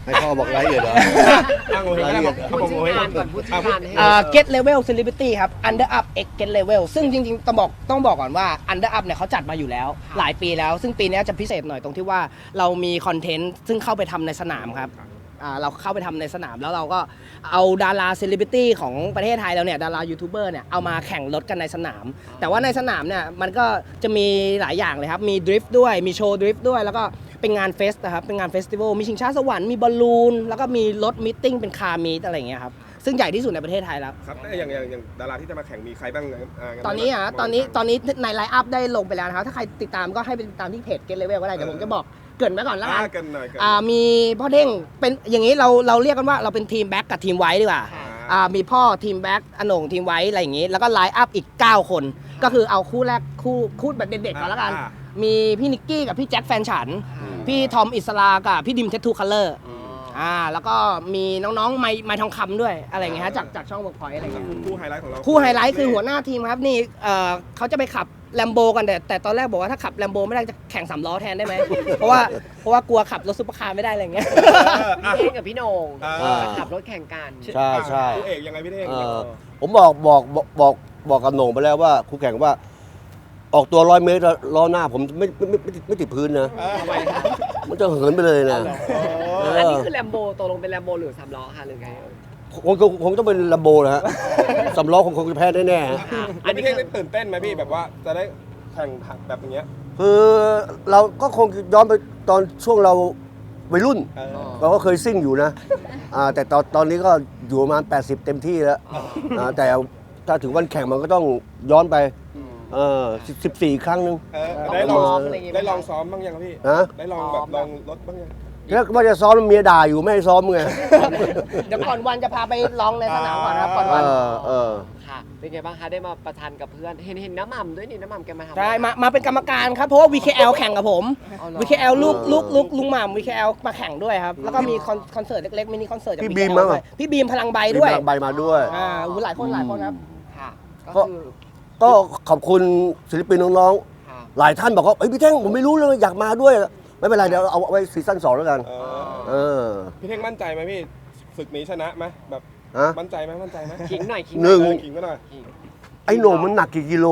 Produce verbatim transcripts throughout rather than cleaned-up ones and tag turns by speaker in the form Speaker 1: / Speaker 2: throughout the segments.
Speaker 1: ให้พ่อบอกรายละเอียดเหรอ
Speaker 2: อ้างโง่ให้ได้บอก
Speaker 3: พูดชื่องานก่อนพูดชื่องานให้
Speaker 4: อ่า Get Level Celebrity ครับ Under Up X Get Level ซึ่งจริงๆต้องบอกต้องบอกก่อนว่า Under Up เนี่ยเขาจัดมาอยู่แล้วหลายปีแล้ว ซึ่งปีนี้จะพิเศษหน่อยตรงที่ว่าเรามีคอนเทนต์ซึ่งเข้าไปทำในสนามครับอ่าเราเข้าไปทำในสนามแล้วเราก็เอาดาราเซเลบริตี้ของประเทศไทยเราเนี่ยดารายูทูบเบอร์เนี่ยเอามาแข่งรถกันในสนาม แต่ว่าในสนามเนี่ยมันก็จะมีหลายอย่างเลยครับมีดริฟต์ด้วยมีโชว์ดริฟต์ด้วยแล้วก็เป็นงานเฟสนะครับเป็นงานเฟสติวัลมีชิงช้าสวรรค์มีบอลลูนแล้วก็มีรถมิทติ้งเป็นคาร์มีตอะไรอย่างเงี้ยครับซึ่งใหญ่ที่สุดในประเทศไทยแล้ว
Speaker 2: ครับแต่อย่างอย่างอย่างดาราที่จะมาแข่งมีใครบ้างอ่า
Speaker 4: ตอนนี้อ่ะตอนนี้ตอนนี้ในไลน์อัพได้ลงไปแล้วนะครับถ้าใครติดตามก็ให้ไปติดตามที่เพจ Get Level ก็ได้เดี๋ยวผมจะบอกเกรินไว้ก่อนแล้วกั
Speaker 2: อ่าน กันหน่อยกัน
Speaker 4: อ่ามีพ่อเด้งเป็นอย่างนี้เราเราเรียกกันว่าเราเป็นทีมแบ็กกับทีมไวท์ดีกว่าอ่ามีพ่อทีมแบ็กอโหน่งทีมไวท์อะไรอย่างงี้แล้วก็ไลน์อัพอีกเก้าคนก็คือเอาคู่แรกคู่คู่แบบเด็กๆก่อนแล้วกันมีพี่นิกกี้กับพี่แจ็คแฟนฉันพี่ทอมอิสลากับพี่ดิมเททูคัลเลอร์อ่าแล้วก็มีน้องๆไมไมทองคำด้วยอะไรอย่างเงี้ยฮะจากจากช่องเวิร์กพอยต์อะไรอย่างเงี้ย
Speaker 2: คู่ไฮไลท์ของเรา
Speaker 4: คู่ไฮไลท์คือหัวหน้าทีมครับนี่เอ่อเขาจะไปขับแลมโบกันแต่แต่ตอนแรกบอกว่าถ้าขับแลมโบไม่ได้จะแข่งสามล้อแทนได้ไหม เพราะว่าเพราะว่ากลัวขับรถซุปเปอร์คาร์ไม่ได้อะไรอย่างเงี้ย
Speaker 3: พี่เท่งกับพี่โหน่ง
Speaker 2: อ่า
Speaker 3: ขับรถแข่งกัน
Speaker 1: ใช่ใช่
Speaker 2: คู่เอกยังไงพี่เท่ง
Speaker 1: เออผมบอกบอกบอกบอกบอกกับโหน่งไปแล้วว่าคู่แข่งว่า ออกตัวร้อยเมตรล้อหน้าผมไม่ไม่ไม่ไม่ไม่ติดพื้นนะ
Speaker 3: ทำไมคะ
Speaker 1: มันจะเหินไปเลยนะ เอออั
Speaker 3: อันนี้คือแลมโบตกลงเป็นแลมโบหรือสามล้อค่ะหรือไงเอ่ย
Speaker 1: คงคงคงต้องเป็นลัมโบนะฮะ สำล้อคงคงจะแพ้แน่ๆฮะ
Speaker 2: อันนี้พี่เท่งได้ตื่นเต้นไหมพี่แบบว่าจะได้แข่งแบบอย่างเงี้ย
Speaker 1: คือเราก็คงย้อนไปตอนช่วงเราวัยรุ่น
Speaker 2: เออ
Speaker 1: เราก็เคยซิ่งอยู่นะอ่าแต่ตอนตอนนี้ก็อยู่ประมาณแปดสิบเต็มที่แล้วอ่าแต่ถ้าถึงวันแข่งมันก็ต้องย้อนไปเออสิบสี่ครั้งหนึง
Speaker 2: เออได้ลองได้ลองซ้อมบ้างยังครับพี่
Speaker 1: นะ
Speaker 2: ได้ลองแบบลองรถบ้างยัง
Speaker 1: แล้วว่าจะซ้อมเมียด่าอยู่ไม่ให้ซ้อมไง
Speaker 4: เดี๋ยวก่อนวันจะพาไปลองในสนามก่อนนะครับก่อน
Speaker 1: เอ
Speaker 4: วัน
Speaker 1: อเออ
Speaker 3: ค่ะ เป็นไงบ้างคะได้มาประชันกับเพื่อนเห็นเห็นน้ำหม่ำด้วยนี่น้ำหม่ำแกมาทำ
Speaker 4: ใช่มามาเป็นกรรมการครับเพราะว่า วี เค แอล แข่งกับผม
Speaker 3: อ๋อเหรอ
Speaker 4: วี เค แอล ลูกลูกลูกลุงหม่ำ วี เค แอล มาแข่งด้วยครับแล้วก็มีคอนคอนเสิร์ตเล็กๆมินิคอนเสิร์ตจาก
Speaker 1: พี่
Speaker 4: วี
Speaker 1: บี
Speaker 4: เค
Speaker 1: ม
Speaker 4: แอล
Speaker 1: มั้ง
Speaker 4: ด้วยพี่บีมพลังใบด้วย
Speaker 1: มีพลังใบมาด้วย
Speaker 4: อ่าอู้หลายคนหลายคนครับ
Speaker 3: ค่ะ
Speaker 1: ก็
Speaker 3: ก็คือ
Speaker 1: ก็ขอบคุณศิลปินน้อง
Speaker 3: ค่ะ
Speaker 1: ๆ หลายท่านบอกว่าเอ้ยพี่เท่งผมไม่รู้เลยอยากมาด้วย ไม่เป็นไรเดี๋ยวเอาไว้ซีซั่นสองแล้วกัน
Speaker 2: เอ
Speaker 1: เอ
Speaker 2: อ
Speaker 1: อ
Speaker 2: พี่เท่งมั่นใจไหมพี่ศึกนี้ชนะไหมแบบ
Speaker 1: ฮะ
Speaker 2: มั่นใจไหมมั่นใจไหม
Speaker 3: ขิงหน่อยขิง
Speaker 1: หนึ่ง
Speaker 2: เออขิงก็หน่อย
Speaker 3: ขิง
Speaker 1: ไอ้โหน่งมันหนักกี่กิโล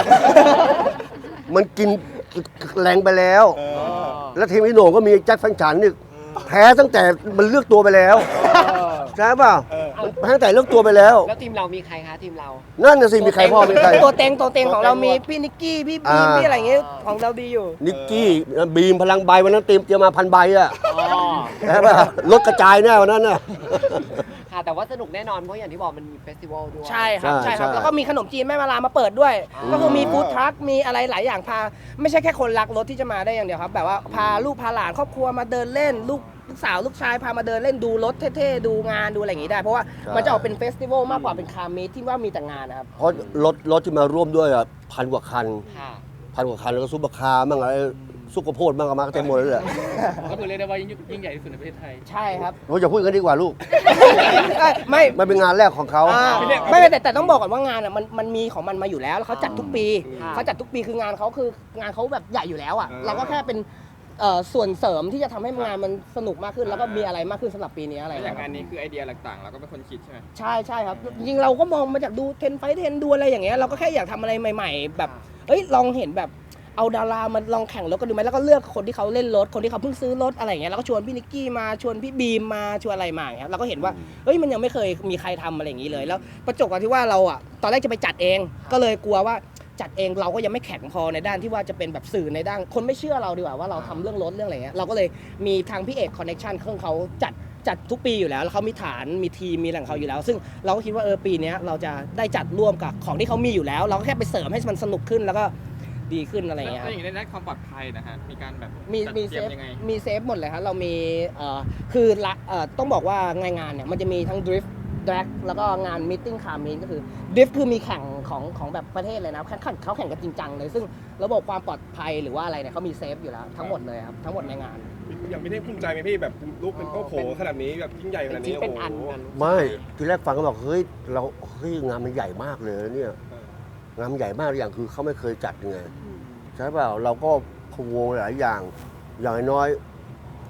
Speaker 1: มันกินแรงไปแล้ว
Speaker 2: เออ
Speaker 1: แล้วทีมไอ้โหน่งก็มีแจ็คแฟนฉันนี่แพ้ตั้งแต่มันเลือกตัวไปแล้วใช่ป่ะ
Speaker 2: เออ
Speaker 1: มันแพ้ตั้งแต่เลือกตัวไปแล้ว
Speaker 3: แล้วทีมเรามีใครคะทีมเรา
Speaker 1: นั่นน่ะสิมีใครพ่อมีใคร
Speaker 4: ตัวเต็งตัวเต็งของเรามีพี่นิกกี้พี่บีม
Speaker 1: อ่า
Speaker 4: พี่อะไรอย่างเงี้ยของเราดีอยู่
Speaker 1: นิกกี้บีมพลังใบวันนั้นเตรียมเตรียมมาพันใบอะ
Speaker 3: อ๋อ
Speaker 1: ใช่ป่ะรถกระจายแน่วันนั้นน่ะ
Speaker 3: ค่ะแต่ว่าสนุกแน่นอนเพราะอย่างที่บอกมันมีเฟสติวัลด้วย
Speaker 4: ใช่ครับ
Speaker 1: ใช่
Speaker 4: ใช่ครับ
Speaker 1: ใช่
Speaker 4: แล้วก็มีขนมจีนแม่มาลามาเปิดด้วย
Speaker 3: อ๋อ
Speaker 4: ก็คือมีฟู้ดทรัคมีอะไรหลายอย่างพาไม่ใช่แค่คนรักรถที่จะมาได้อย่างเดียวครับ แบบว่าพาลูกพาหลานครอบครัวมาเดินเล่น ลูกลูกสาวลูกชายพามาเดินเล่นดูรถเท่ๆดูงานดูอะไรอย่างงี้ได้ เพราะว่ามันจะออกเป็นเฟสติวัลมากกว่าเป็นคาร์มีทที่ว่ามีแต่งานนะครับ
Speaker 1: เพราะรถรถที่มาร่วมด้วยอ่ะพันกว่าคัน
Speaker 3: ค่ะ
Speaker 1: พันกว่าคันแล้วก็ซุปเปอร์คาร์มั่งอะไรซุปกระโพดมั่งก็มาเต็มหมดเลยแหละ
Speaker 5: ก็คือเรียกได้ว่ายิ่งยิ่งใหญ่ที่สุดในประเทศไทย
Speaker 4: ใช่ครับ
Speaker 1: เราจะพูดกันดีกว่าลูก
Speaker 4: เอ้ยไม่
Speaker 1: มันเป็นงานแรกของเขา
Speaker 4: อ่าไม่ไม่แต่แต่ต้องบอกก่อนว่างานอ่ะมันมันมีของมันมาอยู่แล้วแล้วเขาจัดทุกปี
Speaker 3: ค่ะ
Speaker 4: เขาจัดทุกปีคืองานเขาคืองานเขาแบบใหญ่อยู่แล้วอ่ะ
Speaker 2: อ่า
Speaker 4: เราก็แค่เป็นเอ่อส่วนเสริมที่จะทำให้งานมันสนุกมากขึ้นแล้วก็มีอะไรมากขึ้นสำหรับปีนี้อะไร
Speaker 5: แล้วอ
Speaker 4: เงี้
Speaker 5: ย่าง
Speaker 4: ย
Speaker 5: งานนี้คือไอเดียต่างๆเราก็เป็นคนคิดใช่ไหม
Speaker 4: ใช่ใช่ครับจริงๆเราก็มองมาจากดูเทนไฟเทนดูอะไรอย่างเงี้ยเราก็แค่อยากทำอะไรใหม่ ๆ แบบเอ้ยลองเห็นแบบเอาดารามาลองแข่งรถกันดูไหมแล้วก็เลือกคนที่เขาเล่นรถคนที่เขาเพิ่งซื้อรถอะไรอย่างเงี้ยแล้วก็ชวนพี่นิกกี้มาชวนพี่บีมมาชวนอะไรมาอย่างเงี้ยเราก็เห็นว่าเฮ้ยมันยังไม่เคยมีใครทำอะไรอย่างงี้เลยแล้วประจวบกับที่ว่าเราอ่ะตอนแรกจะไปจัดเอง ก็เลยกลัวว่าจัดเองเราก็ยังไม่แข็งพอในด้านที่ว่าจะเป็นแบบสื่อในด้านคนไม่เชื่อเราดีกว่าว่าเราทำเรื่องรถเรื่องอะไรเงี้ยเราก็เลยมีทางพี่เอกคอนเนคชั่นเครื่องเขาจัดจัดทุกปีอยู่แล้วแล้วเขามีฐานมีทีมมีแหล่งเขาอยู่แล้ว ซึ่งเราก็คิดว่าเออปีนี้เราจะได้จัดร่วมกับของที่เขามีอยู่แล้ว เราก็แค่ไปเสริมให้มันสนุกขึ้นแล้วก็ดีขึ้นอะไร
Speaker 5: แล้ว
Speaker 4: เงี้ย
Speaker 5: แล้วอย่างนี้ในด้านความปลอดภัยนะฮะ มีการแบบ
Speaker 4: มี
Speaker 5: จัด
Speaker 4: มี
Speaker 5: เต
Speaker 4: เซ
Speaker 5: รียม
Speaker 4: ฟ
Speaker 5: ยังไง
Speaker 4: มีเซฟหมดเลยครับเรามีเอ่อคือละเอ่อต้องบอกว่างานงานเนี่ยมันจะมีทั้งดริฟต์แดร็กแล้วก็งานมิทติ้งคาร์มีนก็คือดริฟต์คือมีแข่งของของแบบประเทศเลยนะแข่งขันเขาแข่งกันจริงจังเลยซึ่งระบบความปลอดภัยหรือว่าอะไรเนี่ยเขามีเซฟอยู่แล้วทั้งหมดเลยครับทั้งหมดในงาน
Speaker 2: อย่างพี่เท่งภูมิใจไหมพี่แบบลูกเป็นโอ้โหขนาดนี้แบบยิ่งใหญ่ข
Speaker 3: เป็น
Speaker 2: นาด
Speaker 3: ชิ้
Speaker 2: นี้
Speaker 3: นเป็นอัน
Speaker 2: โโห
Speaker 3: กัน
Speaker 1: ไม่ทีแรกฟังก็บอกเฮ้ยเราเฮ้ยงานมันใหญ่มากเลยนะเนี่ยงานมันใหญ่มากอย่างคือเขาไม่เคยจัดไงใช่เปล่าเราก็พะวงหลายอย่างอย่างน้อย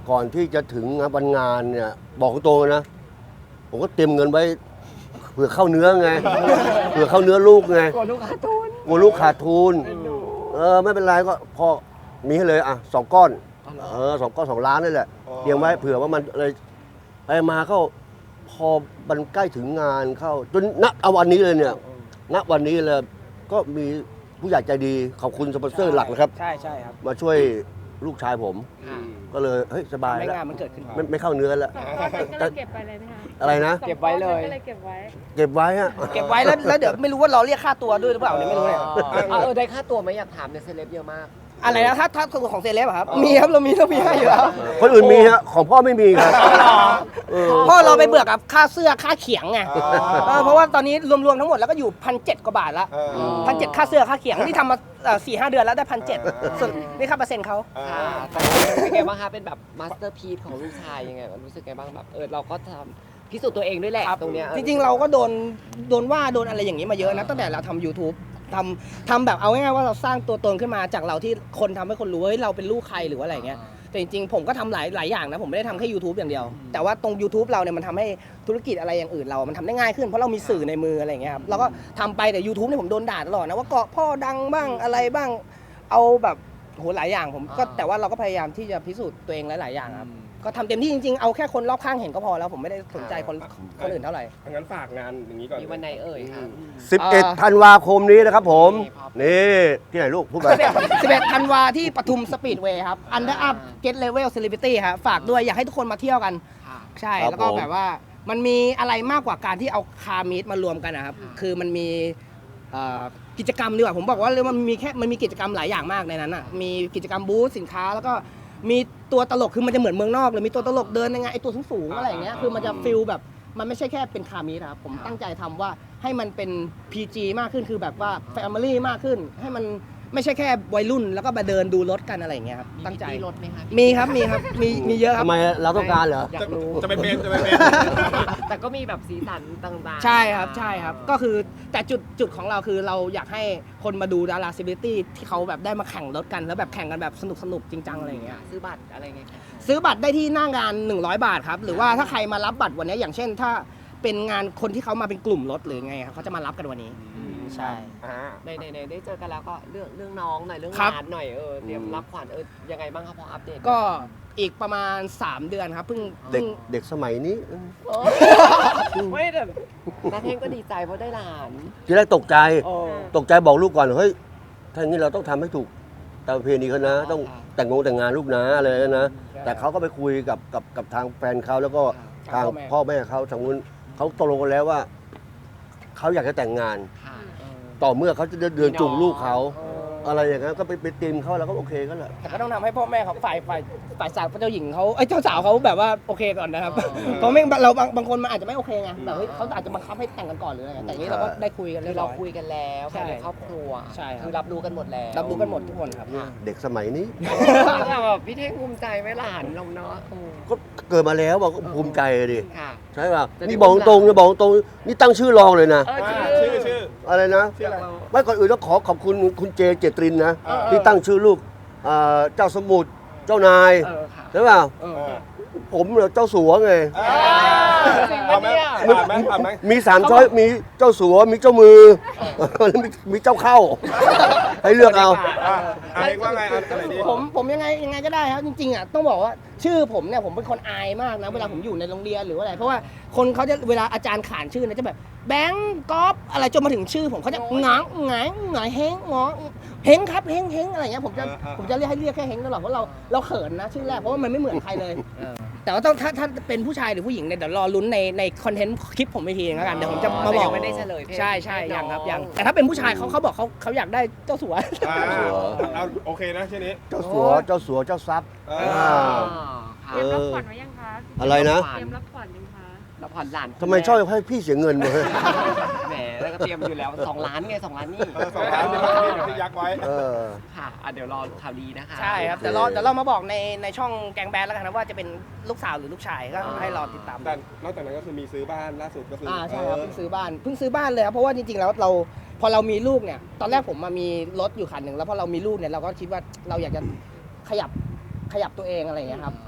Speaker 1: ก่อนที่จะถึงวันงานเนี่ยบอกตรงๆนะ ผมก็เตรียมเงินไว้เผื่อเข้าเนื้อไง เผื่อเข้าเนื้อลูกไง
Speaker 3: กลัวลูกค้าทุน
Speaker 1: กลัวลูกขาดทุน เออไม่เป็นไรก็พอมีให้เลยอ่ะสองก้อน เออสองก้อนสองล้านนี่แหละเตรียมไว้เผื่อว่ามันอะไรไปมาเข้าพอมันใกล้ถึงงานเข้าจนณเอาวันนี้เลยเนี่ยณวันนี้เลยก็มีผู้ใหญ่ใจดีขอบคุณสปอนเซอร์หลักนะครับ
Speaker 4: ใช่ใช่ครับ
Speaker 1: มาช่วยลูกชายผม
Speaker 3: ค่ะ
Speaker 1: ก็เลยเฮ้ยสบาย
Speaker 4: ไม่
Speaker 1: แล้ว
Speaker 4: งานมันเกิดขึ้น
Speaker 1: ไม่ไม่เข้าเนื้อแล้ว
Speaker 6: สองก้อนนั้นก็เลยเก็บไปเลยไหมคะ
Speaker 1: อะไรนะ
Speaker 3: เก็บไว้เลย
Speaker 6: ก็เลยเก็บไว้
Speaker 1: เก็บไว้อะ
Speaker 4: เก็บไว้แล้วแล้วเดี๋ยวไม่รู้ว่าเราเรียกค่าตัวด้วยหรือเปล่าเนี่ยไม่รู้เนี่ย
Speaker 3: อ๋อเออได้ค่าตัวไหมอยากถามเนี่ยเซเลบเยอะมาก
Speaker 4: อะไรนะถ้าถ้าของเซเลบอะครับมีครับเรามีเรามีให้อยู่แล้ว
Speaker 1: คนอื่นมีฮะของพ่อไม่มีครับเออ
Speaker 4: พ่อเราไปเบื่อกับค่าเสื้อค่าเขียงไงเออเพราะว่าตอนนี้รวมๆทั้งหมดแล้วก็อยู่พันเจ็ดกว่าบาทละ
Speaker 2: เออ
Speaker 4: พันเจ็ดค่าเสื้อค่าเขียงที่ทำมาสี่ห้าเดือนแล้วได้พันเจ็ดส่วนนี่ค่าเปอร์เซ็นต์เขา
Speaker 2: เออ
Speaker 3: ค่ะแต่เป็นไงบ้างคะเป็นแบบมาสเตอร์พีซของลูกชายยังไงรู้สึกไงบ้างแบบเออเราก็ทำพิสูจน์ตัวเองด้วยแหละตรงเนี้ย
Speaker 4: จริงๆเราก็โดนโดนว่าโดนอะไรอย่างนี้มาเยอะนะตั้งแต่เราทำ YouTube ทำทำแบบเอาง่ายๆว่าเราสร้างตัวตนขึ้นมาจากเราที่คนทำให้คนรู้ว่าเฮ้ยเราเป็นลูกใครหรือว่าอะไรเงี้ยแต่จริงๆผมก็ทำหลายหลายอย่างนะผมไม่ได้ทำแค่ YouTube อย่างเดียว แต่ว่าตรง YouTube เราเนี่ยมันทำให้ธุรกิจอะไรอย่างอื่นเรามันทำได้ง่ายขึ้นเพราะเรามีสื่อในมืออะไรเงี้ยครับเราก็ทำไปแต่ YouTube เนี่ยผมโดนด่าตลอดนะว่าเกาะพ่อดังบ้างอะไรบ้างเอาแบบโหหลายอย่างผมก็แต่ว่าเราก็พยายามที่จะพิสูจน์ตัวเองหลายๆอย่างครับก็ทำเต็มที่จริงๆเอาแค่คนรอบข้างเห็นก็พอแล้วผมไม่ได้สนใจคนคนอื่นเท่าไหร่
Speaker 2: งั้นฝากงานอย่างนี้ก่อน
Speaker 3: มีวันไหนเอ่ยคะ
Speaker 1: สิบเอ็ดธันวาคมนี้นะครับผม นี่ที่ไหนลูกพูดไป
Speaker 4: สิบเอ็ดธันวาที่ปทุมสปีดเวย์ครับ Under Up Get Level Celebrity ครับฝากด้วยอยากให้ทุกคนมาเที่ยวกัน
Speaker 3: ค่ะ
Speaker 4: ใช่
Speaker 1: ครับ
Speaker 4: แล้วก็
Speaker 1: ผม
Speaker 4: แบบว่ามันมีอะไรมากกว่าการที่เอาคาร์มีดมารวมกันนะครับ คือมันมีเอ่อกิจกรรมดีกว่าผมบอกว่าเลยมันมีแค่มันมีกิจกรรมหลายอย่างมากในนั้นอ่ะมีกิจกรรมบูธสินค้าแล้วก็มีตัวตลกคือมันจะเหมือนเมืองนอกเลยมีตัวตลกเดินยังไงไอตัวสูงๆอะไรอย่างเงี้ยคือมันจะฟิลแบบมันไม่ใช่แค่เป็นคาร์มีดครับผมตั้งใจทำว่าให้มันเป็น พี จี มากขึ้นคือแบบว่า Family มากขึ้น ให้มันไม่ใช่แค่วัยรุ่นแล้วก็มาเดินดูรถกันอะไรอย่างเงี้ยครับตั้งใจ
Speaker 3: มีรถไหมคะ
Speaker 4: มีครับมีครับมีมีเยอะครับ
Speaker 1: ทำไมเราต้องการเหรอ
Speaker 3: อยากรู้
Speaker 2: จะไปเป็นจะไปเป็น
Speaker 3: แต่ก็มีแบบสีสันต่างๆ
Speaker 4: ใช่ครับใช่ครับก็คือแต่จุดจุดของเราคือเราอยากให้คนมาดูดาราเซเลบริตี้ที่เขาแบบได้มาแข่งรถกันแล้วแบบแข่งกันแบบสนุกสนุกจริงจังอะไรอย่างเงี้ย
Speaker 3: ซื้อบัตรอะไรไงคะ
Speaker 4: ซื้อบัตรได้ที่หน้างานหนึ่งร้อยบาทครับหรือว่าถ้าใครมารับบัตรวันนี้อย่างเช่น ถ้าเป็นงานคนที่เขามาเป็นกลุ่มรถหรือไงครับเขาจะมารับกันวันนี้ใช่
Speaker 2: อ่า
Speaker 3: ในในในได้เจอกันแล้วก็เรื่องเรื่องน้องหน่อยเรื่อง
Speaker 4: ครับ
Speaker 3: งานหน่อยเออเตรียมรับขวัญเออยังไงบ้างครับพออัปเดต
Speaker 4: ก็อีกประมาณสามเดือนครับเพิ่ง
Speaker 1: เด็ก
Speaker 4: เพิ่ง
Speaker 1: เด็กสมัยนี้
Speaker 3: โอ้ไม่แต่นาเทงก็ดีใจเพราะได้หลาน
Speaker 1: ทีแรกตกใจ
Speaker 3: โอ้
Speaker 1: ตกใจบอกลูกก่อนเฮ้ยถ้าอย่างนี้เราต้องทำให้ถูกตามประเพณีเขานะ ต้องแต่งงงแต่งงานลูกนะอะไรนะ แต่เขาก็ไปคุยกับกับกับทางแฟนเขาแล้วก็ทางพ่อแม่เขาทางนู้นเขาตกลงกันแล้วว่าเขาอยากจะแต่งงาน
Speaker 3: ค่ะเออ
Speaker 1: ต่อเมื่อเขาจะเดินจูงลูกเขา
Speaker 3: เออ
Speaker 1: อะไรอย่างนั้นก็ไปไปตีมเขาแล้วก็โอเคก็แหละ
Speaker 4: แต่ก็ต้องทำให้พ่อแม่เขาฝ่ายฝ่ายฝ่ายสาวเจ้าหญิงเขาไอ้ยเจ้าสาวเขาแบบว่าโอเคก่อนนะครับเพราะไม่เราบางบางคนมันอาจจะไม่โอเคไงแบบเฮ้ยเขาอาจจะบังคับให้แต่งกันก่อนหรืออะไรเงี้ยแต่อันนี้เราก็ได้คุยกัน
Speaker 3: คื
Speaker 4: เรีย
Speaker 3: อบ เรา
Speaker 4: ร้อย
Speaker 3: คุยกันแล้ว
Speaker 4: ใช่
Speaker 3: ภายในครอบครัว
Speaker 4: ใช่ครับ
Speaker 3: คือรับรู้กันหมดแล้ว
Speaker 4: รับรู้กันหมดทุกคนครับ
Speaker 1: เด็กสมัยนี้
Speaker 3: แต่แบบพี่เท่งภูมิใจไหมหลานเราเนาะเออ
Speaker 1: ก็เกิดมาแล้วบอกก็ภูมิใจดิ
Speaker 3: ค่ะ
Speaker 1: ใช่ป่ะ
Speaker 3: จะได้
Speaker 1: นี่บอกตรงๆนะบอกตรงๆนี่ตั้งชื่อรองเลยนะ
Speaker 3: เออ
Speaker 2: อ่า
Speaker 3: ชื่
Speaker 2: ชื่
Speaker 3: อ
Speaker 2: อชื่อ
Speaker 1: อะไรนะ
Speaker 2: ชื่ออะไร
Speaker 1: ไม่ก่อนอื่นต้องขอขอบคุณคุณเจเจตรินนะ
Speaker 2: เออ
Speaker 1: ที่ตั้งชื่อลูกเอ่อเจ้าสมุทรเจ้านาย
Speaker 3: เออค่ะ
Speaker 1: ใช่ป่ะ
Speaker 3: เออ
Speaker 2: เออ
Speaker 1: ผมเหรอเจ้าสัวไง
Speaker 3: จริง
Speaker 2: เอา
Speaker 3: ปะ
Speaker 2: ไหม
Speaker 3: เนี่ย
Speaker 2: ผ่านไหมผ่านไหม
Speaker 1: มีสามช้อยมีเจ้าสัวมีเจ้ามือแล้วมีมีเจ้าเข้า ให้เลือกเอา
Speaker 2: อ่าอะไรว่าไงเอาอะไรดี
Speaker 4: ผมผมยังไงยังไงก็ได้ครับจริงๆอ่ะต้องบอกว่าชื่อผมเนี่ยผมเป็นคนอายมากนะเวลาผมอยู่ในโรงเรียนหรือว่าอะไรเพราะว่าคนเขาจะเวลาอาจารย์ขานชื่อเนี่ยจะแบบแบงก์ก๊อฟอะไรจนมาถึงชื่อผมเขาจะหงางหงายหงายเฮงหงอเฮงครับเฮงเฮงอะไรเงี้ยผมจะผมจะเรียกให้เรียกแค่เฮงตลอดเพราะเราเราเขินนะชื่อแรกเพราะว่ามันไม่เหมือนใครเลย แต่ว่าต้องถ้าถ้าเป็นผู้ชายหรือผู้หญิงเนี่ยเดี๋ยวรอลุ้นในในคอนเทนต์คลิปผมอีกทีนึงแล้วกันเดี๋ยวผมจะมาบอก
Speaker 3: แต่ยังไม่ได้เฉลยเพศ
Speaker 4: ใช่ใช่ยังครับ
Speaker 3: น้อง
Speaker 4: ยังแต่ถ้าเป็นผู้ชายเขาเขาบอกเขาเขาอยากได้เจ้าสัว
Speaker 2: อ่าเอาโอเคนะชื่อนี้
Speaker 1: เจ้าสัวเจ้าสัวเจ้าทรัพย์
Speaker 2: เอ
Speaker 1: อ่า
Speaker 6: เตรียมรับขวัญไว้ยังคะ
Speaker 1: อะไรนะ
Speaker 6: เตรียมรับขวัญยังคะ
Speaker 3: แล้วผ่อนหลาน
Speaker 1: ทำไมชอบให้พี่เสียเงินมาเฮ้ย
Speaker 3: แหมแล้วก็เตรียมอยู่แล้วสองล้านไงสองล้านนี่
Speaker 2: เออสองล้านที่ที่ยักษ์ไว้
Speaker 1: เออ
Speaker 3: ค่ะอ่ะเดี๋ยวรอข่าวดีนะคะ
Speaker 4: ใช่ครับแต่เราเดี๋ยวเรามาบอกในในช่องแกงแบนแล้วกันนะว่าจะเป็นลูกสาวหรือลูกชายก็ให้รอติดตาม
Speaker 2: แต่นอกจากนั้นก็คือมีซื้อบ้านล่าสุดก็คือ
Speaker 4: อ่า
Speaker 2: อ่า
Speaker 4: ใช่ครับเพิ่งซื้อบ้านเพิ่งซื้อบ้านเลยครับเพราะว่าจริงๆแล้วเราพอเรามีลูกเนี่ยตอนแรกผมมามีรถอยู่คันหนึ่งแล้วพอเรามีลูกเนี่ยเราก็คิดว่าเราอยากจะขยับขยับตัวเองอะไรอย่างเงี้ยครับก็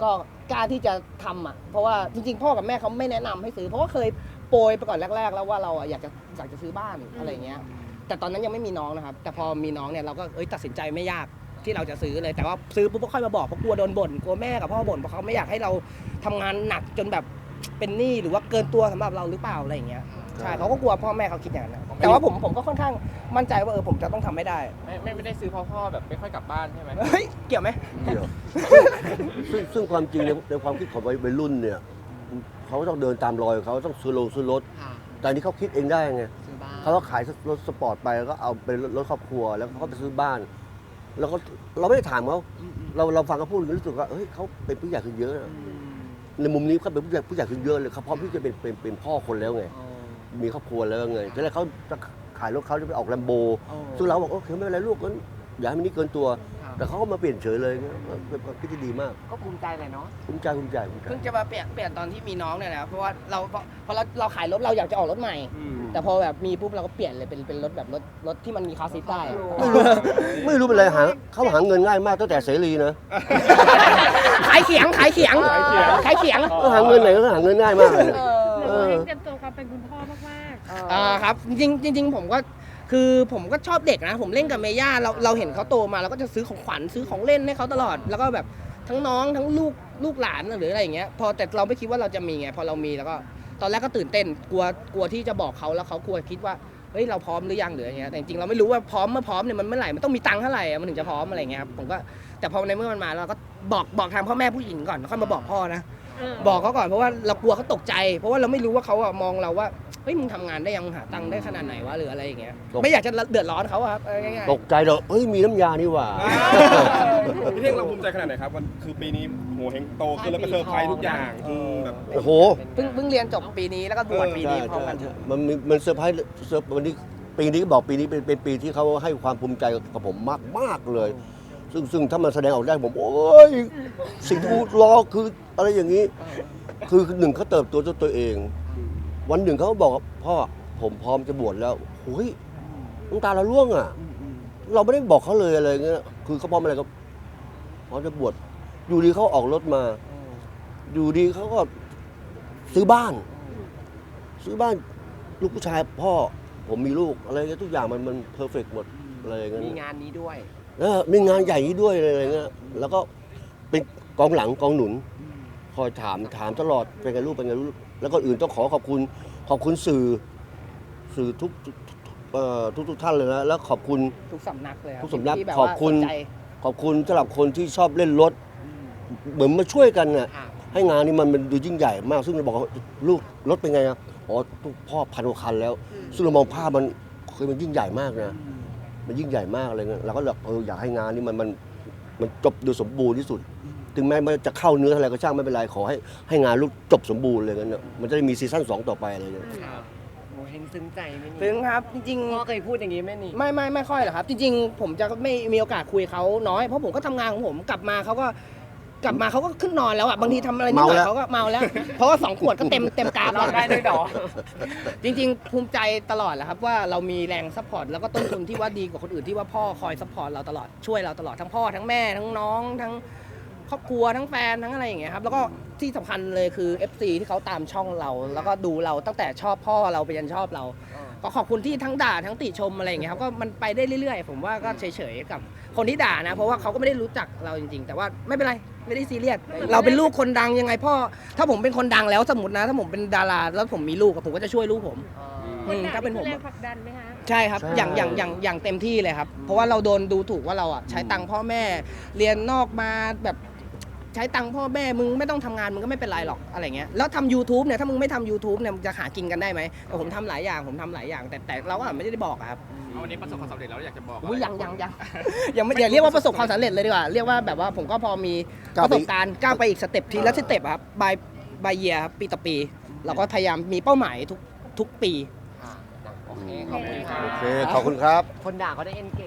Speaker 4: กล้าที่จะทำอ่ะเพราะว่าจริงๆพ่อกับแม่เขาไม่แนะนำให้ซื้อเพราะว่าเคยโปรยไปก่อนแรก ๆ แล้วว่าเราอ่ะอยากจะอยากจะซื้อบ้านอะไรเงี้ยแต่ตอนนั้นยังไม่มีน้องนะครับแต่พอมีน้องเนี่ยเราก็เอ้ยตัดสินใจไม่ยากที่เราจะซื้อเลยแต่ว่าซื้อปุ๊บก็ค่อยมาบอกเพราะกลัวโดนบ่นกลัวแม่กับพ่อบ่นเพราะเขาไม่อยากให้เราทำงานหนักจนแบบเป็นหนี้หรือว่าเกินตัวสำหรับเราหรือเปล่าอะไรอย่างเงี้ยใช่เขาก็กลัวพ่อแม่เขาคิดอย่างนั้นนะแต่ว่าผมผมก็ค่อนข้างมั่นใจว่าเออผมจะต้องทำไม่ได้
Speaker 5: ไม่ไม่ไม่ได้ซื้อเพราะพ่อแบบไม่ค่อยกลับบ้านใช่ไหม
Speaker 4: เฮ้ยเกี่ยวไหม
Speaker 1: เดี๋ยวซึ่งซึ่งความจริงในในความคิดของวัยรุ่นเนี่ยเขาต้องเดินตามรอยเขาต้องซื้อโรงซื้อรถ
Speaker 3: ค่ะ
Speaker 1: แต่อันนี้เขาคิดเองได้ไง
Speaker 3: ซื้อบ้าน
Speaker 1: เขาก็ขายรถสปอร์ตไปแล้วก็เอาเป็นรถครอบครัวแล้วเขาก็ไปซื้อบ้าน แล้วก็เราไม่ได้ถามเขาเราเราฟังเขาพูดรู้สึกว่าเฮ้ยเขาเป็นผู้ใหญ่ขึ้นเยอะนะในมุมนี้เขาเป็นผู้ใหญ่ผู้ใหญ่ขึ้นเยอะเลยเขาพร้อมที่จะเป็นเป็นเป็นพ่อคนแล้วไง
Speaker 3: อ๋อ
Speaker 1: มีครอบครัวแล้วไงทีแรกเขาจะขายรถเขาจะไปออกแลมโบ
Speaker 3: อ๋อ
Speaker 1: ซึ่งเราบอกโอเคไม่เป็นไรลูกงั้นอย่าให้มันนี่เกินตัว
Speaker 3: ค่ะ
Speaker 1: แต่เขาก็มาเปลี่ยนเฉยเลยเงี้ยเป็นความคิดที่ดีมาก
Speaker 3: ก็ภูมิใจเลยเนาะ
Speaker 1: ภูมิใจภูมิใจภูมิใจ
Speaker 4: เพิ่งจะมาเปลี่ยนเปลี่ยนตอนที่มีน้องเนี่ยแหละเพราะว่าเราพอพอเราเราขายรถเราอยากจะออกรถใหม่ แต่พอแบบมีปุ๊บเราก็เปลี่ยนเลยเป็นเป็นรถแบบรถรถที่มันมีคาร์ซีทได้อะ
Speaker 1: ไม่รู้เป็นไรหาเขาหาเงินง่ายมากตั้งแต่เสรีนะ
Speaker 4: ขายเขียงขายเขียงขายเขียง
Speaker 1: ก็หาเงินไหนก็หาเงินง่ายมากเลย
Speaker 4: เอ
Speaker 6: เห
Speaker 4: อ
Speaker 6: มือนว่าเตรียมตัวความเป็นคุณพ่อมาก
Speaker 4: อ่าครับจริงๆจริง ๆ ผมก็คือผมก็ชอบเด็กนะผมเล่นกับเมย่าเราเราเห็นเขาโตมาเราก็จะซื้อของขวัญซื้อของเล่นให้เขาตลอด แล้วก็แบบทั้งน้องทั้งลูกลูกหลานหรืออะไรอย่างเงี้ยพอแต่เราไม่คิดว่าเราจะมีไงพอเรามีแล้วก็ตอนแรกก็ตื่นเต้นกลัวกลัวที่จะบอกเขาแล้วเขากลัวคิดว่าเฮ้ยเราพร้อมหรือยังหรืออย่างเงี้ยแต่จริงๆเราไม่รู้ว่าพร้อมเมื่อพร้อมเนี่ยมันเมื่อไหร่มันต้องมีตังค์เท่าไหร่อะมันถึงจะพร้อมอะไรเงี้ยครับผมก็แต่พอในเมื่อมันมาเราก็บอกบอกทางพ่อแม่ผู้หญิงก่อนแล้วค่อยมาบอกพ่อนะ
Speaker 6: ๆเออ
Speaker 4: บอกเขาก่อนเพราะว่าเรากลัวเขาตกใจ เพราะว่าเราไม่รู้ว่าเขาอะมองเราว่าเฮ้ยมึงทำงานได้ยังหาตังค์ได้ขนาดไหนวะหรืออะไรอย่างเงี้ยไม่อยากจะเดือดร้อนเขาอะครับเอาง่าย
Speaker 1: ตกใจเด้อเฮ้ยมีน้ำยานี่หว่า
Speaker 2: พี่เท่งเราภูมิใจขนาดไหนครับวันคือปีนี้โหเฮงโตขึ้นแล้วก็เซอร์ไพรส์ทุกอย่างอืมแบบ
Speaker 1: โอ้โห
Speaker 4: ๆเพิ่งเพิ่งเรียนจบปีนี้แล้วก็บวชปีนี้พร้อมกัน
Speaker 1: มันมีมันเซอร์ไพรส์เซอร์วันนี้ปีนี้ก็บอกปีนี้เป็นเป็นปีที่เขาให้ความภูมิใจกับผมมากมากเลย ซึ่งซึ่งถ้ามันแสดงออกได้ผมโอ้ยสิ่งที่รอคืออะไรอย่างนี้ คือหนึ่งเขาเติบโตด้วยตัวเอง วันหนึ่งเขาบอกว่าพ่อผมพร้อมจะบวชแล้วโอ้ยน้ำตาเราร่วงอ่ะ เราไม่ได้บอกเขาเลยอะไรเงี้ยคือเขาพร้อมอะไรก็พร้อมจะบวชอยู่ดีเขาออกรถมา อยู่ดีเขาก็ซื้อบ้าน ซื้อบ้านลูกผู้ชายพ่อผมมีลูกอะไรเงี้ยทุกอย่างมันมันเพอร์เฟกต์หมดอะไรเงี้ย
Speaker 3: มีงานนี้ด้วย
Speaker 1: แล้วมีงานใหญ่นี้ด้วยอะไรเงี้ยแล้วก็เป็นกองหลังกองหนุน คอยถามถามตลอดเป็นไงลูกเป็นไงลูกแล้วก็อื่นต้องขอขอบคุณขอบคุณสื่อสื่อทุกทุกเอ่อทุกทุกท่านเลยนะแล้วขอบคุณ
Speaker 4: ทุกสำนักเลยครับ
Speaker 1: ทุกสำนัก
Speaker 4: ที่แบบ
Speaker 1: ขอบคุณ
Speaker 4: ว่าสนใจ
Speaker 1: ขอบคุณสำหรับคนที่ชอบเล่นรถ เหมือนมาช่วยกันน่ะ
Speaker 3: ค่ะ
Speaker 1: ให้งานนี้มันมันดูยิ่งใหญ่มาก ซึ่งเราบอกว่าลูกรถเป็นไงอะอ๋อพ่อพันกว่าคันแล้ว ซึ่งเรามองภาพมันเคยมันยิ่งใหญ่มากนะมันยิ่งใหญ่มากอะไรเงี้ยเราก็แบบเอออยากให้งานนี้มันมันมันจบโดยสมบูรณ์ที่สุด ถึงแม้มันจะเข้าเนื้ออะไรก็ช่างไม่เป็นไรขอให้ให้งานลูกจบสมบูรณ์เลยงั้นน่ะมันจะได้มีซีซั่นสองต่อไปอะไรเงี้ย
Speaker 3: ค่ะโอ้เห็นซึ้งใจไหมนี่
Speaker 4: ถึงครับจริง
Speaker 3: พ่อเคยพูดอย่างนี้ไหมนี่
Speaker 4: ๆไม่ไม่ไม่ค่อยหรอกครับ จริงๆ ผมจะไม่มีโอกาสคุยเขาน้อยเพราะผมก็ทำงานของผมกลับมาเขาก็กลับมาเขาก็ขึ้นนอนแล้วอ่ะบางทีทำอะไรนิดหน่อยเขาก็เมาแล้ว เพราะว่าสองขวดก็เต็มเต็มกราฟ
Speaker 3: ร้องได้ด้วยเหรอ
Speaker 4: จริงๆ ภูมิใจตลอดแหละครับว่าเรามีแรงซัพพอร์ตแล้วก็ต้นทุนที่ว่าดีกว่าคนอื่นที่ว่าพ่อคอยซัพพอร์ตเราตลอดช่วยเราตลอดทั้งพ่อทั้งแม่ทั้งน้องทั้งครอบครัวทั้งแฟนทั้งอะไรอย่างเงี้ยครับแล้วก็ที่สำคัญเลยคือ เอฟ ซี ที่เขาตามช่องเรา แล้วก็ดูเราตั้งแต่ชอบพ่อเราไปยันชอบเรา ก็ขอบคุณที่ทั้งด่าทั้งติชมอะไรอย่างเงี้ยครับก็มันไปได้เรื่อยๆ ผมว่าก็เฉยๆกับคนที่ด่านะ เพราะว่าเขาก็ไม่ได้รู้จักเราจริงๆ แต่ว่าไม่เป็นไรไม่ได้ซีเรียสเราเป็นลูกคนดังยังไงพ่อถ้าผมเป็นคนดังแล้วสมมตินะ ถ้าผมเป็นดาราแล้วผมมีลูกอะผมก็จะช่วยลูกผม
Speaker 6: ค
Speaker 4: อื
Speaker 6: น
Speaker 4: ม
Speaker 6: ด่า
Speaker 4: ถ้าเป็นผม
Speaker 6: แร
Speaker 4: อะ
Speaker 6: งผลักดันไหมคะ
Speaker 4: ใช่ครับ
Speaker 1: ใช่
Speaker 4: อย่างอย่างอย่างอย่างเต็มที่เลยครับ เพราะว่าเราโดนดูถูกว่าเราอ่ะใช้ตังค์พ่อแม่ เรียนนอกมาแบบใช้ตังค์พ่อแม่มึงไม่ต้องทำงานมึงก็ไม่เป็นไรหรอกอะไรเงี้ยแล้วทำ YouTube เนี่ยถ้ามึงไม่ทำ YouTube เนี่ยมึงจะหากินกันได้ไหมแต่ผมทำหลายอย่างผมทำหลายอย่าง แต่แต่เราก็ไม่ได้บอกอะครับ
Speaker 5: เอาวันนี้ประสบความสำเร็จแล้วอยากจะบอก
Speaker 4: อุ๊ย
Speaker 5: อะไร
Speaker 4: ยังยังยัง ยังไม่อย่าเรียกว่าประสบความสำเร็จเลยดีกว่า เรียกว่าแบบว่าผมก็พอมีประสบการณ์ก้าวไปอีกสเต็ปทีละสเต็ปอะครับบายบายเยียปีต่อปี เราก็พยายามมีเป้าหมายทุกทุกปี
Speaker 3: ค่ะโอเคขอบคุณค่ะ
Speaker 1: โอเคขอบคุณครับ
Speaker 3: คนด่าก็ได้เอนเก